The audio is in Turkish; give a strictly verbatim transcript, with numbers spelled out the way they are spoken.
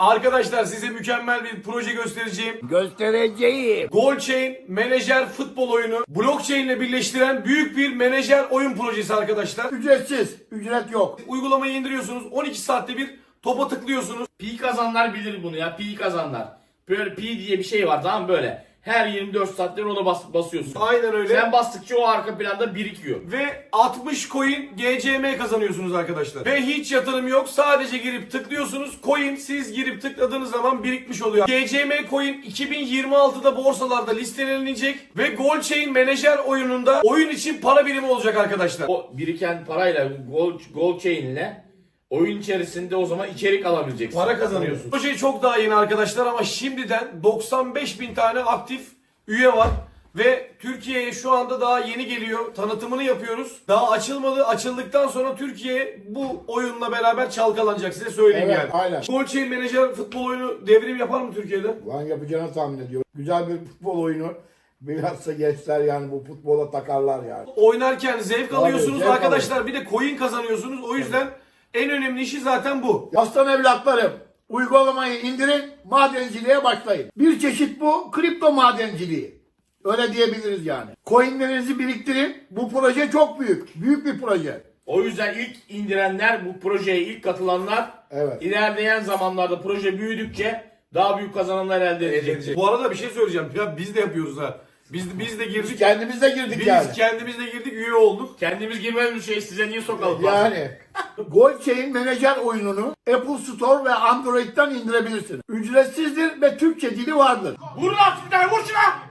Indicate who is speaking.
Speaker 1: Arkadaşlar size mükemmel bir proje göstereceğim.
Speaker 2: Göstereceğim.
Speaker 1: Goalchain menajer futbol oyunu blockchain ile birleştiren büyük bir menajer oyun projesi arkadaşlar.
Speaker 2: Ücretsiz. Ücret yok.
Speaker 1: Uygulamayı indiriyorsunuz. on iki saatte bir topa tıklıyorsunuz.
Speaker 3: Pi kazanlar bilir bunu ya. Pi kazanlar. Böyle pi diye bir şey var, tamam mı? Böyle. Her yirmi dört saatte ona bas, basıyorsun.
Speaker 1: Aynen öyle.
Speaker 3: Sen bastıkça o arka planda birikiyor.
Speaker 1: Ve altmış coin G C M kazanıyorsunuz arkadaşlar. Ve hiç yatırım yok. Sadece girip tıklıyorsunuz. Coin siz girip tıkladığınız zaman birikmiş oluyor. G C M coin iki bin yirmi altıda borsalarda listelenecek. Ve Goalchain menajer oyununda oyun için para birimi olacak arkadaşlar.
Speaker 3: O biriken parayla gol gol chain'le oyun içerisinde o zaman içerik alabileceksin.
Speaker 1: Para kazanıyorsun. Proje çok daha yeni arkadaşlar ama şimdiden doksan beş bin tane aktif üye var. Ve Türkiye'ye şu anda daha yeni geliyor. Tanıtımını yapıyoruz. Daha açılmadı. Açıldıktan sonra Türkiye bu oyunla beraber çalkalanacak. Size söyleyeyim
Speaker 2: Evet,
Speaker 1: yani.
Speaker 2: aynen.
Speaker 1: Goalchain menajer futbol oyunu devrim yapar mı Türkiye'de?
Speaker 2: Lan yapacağını tahmin ediyorum. Güzel bir futbol oyunu. Bilhassa gençler yani bu futbola takarlar yani.
Speaker 1: Oynarken zevk alıyorsunuz
Speaker 2: zevk
Speaker 1: arkadaşlar. Bir de coin kazanıyorsunuz. O yüzden en önemli işi zaten bu.
Speaker 2: Aslan evlatlarım, uygulamayı indirin, madenciliğe başlayın. Bir çeşit bu kripto madenciliği. Öyle diyebiliriz yani. Coinlerinizi biriktirin. Bu proje çok büyük. Büyük bir proje.
Speaker 3: O yüzden ilk indirenler, bu projeye ilk katılanlar
Speaker 2: Evet.
Speaker 3: ilerleyen zamanlarda proje büyüdükçe daha büyük kazanımlar elde edecek.
Speaker 1: Bu arada bir şey söyleyeceğim. Ya biz de yapıyoruz ha. Biz biz de girdik.
Speaker 2: Kendimiz de girdik
Speaker 1: Biz
Speaker 2: yani.
Speaker 1: kendimiz de girdik, üye olduk.
Speaker 3: Kendimiz girmediğimiz şey size niye sokalım?
Speaker 2: Yani Goalchain menajer oyununu Apple Store ve Android'den indirebilirsiniz. Ücretsizdir ve Türkçe dili vardır.
Speaker 3: Vurun artık bir tane, vur şuna!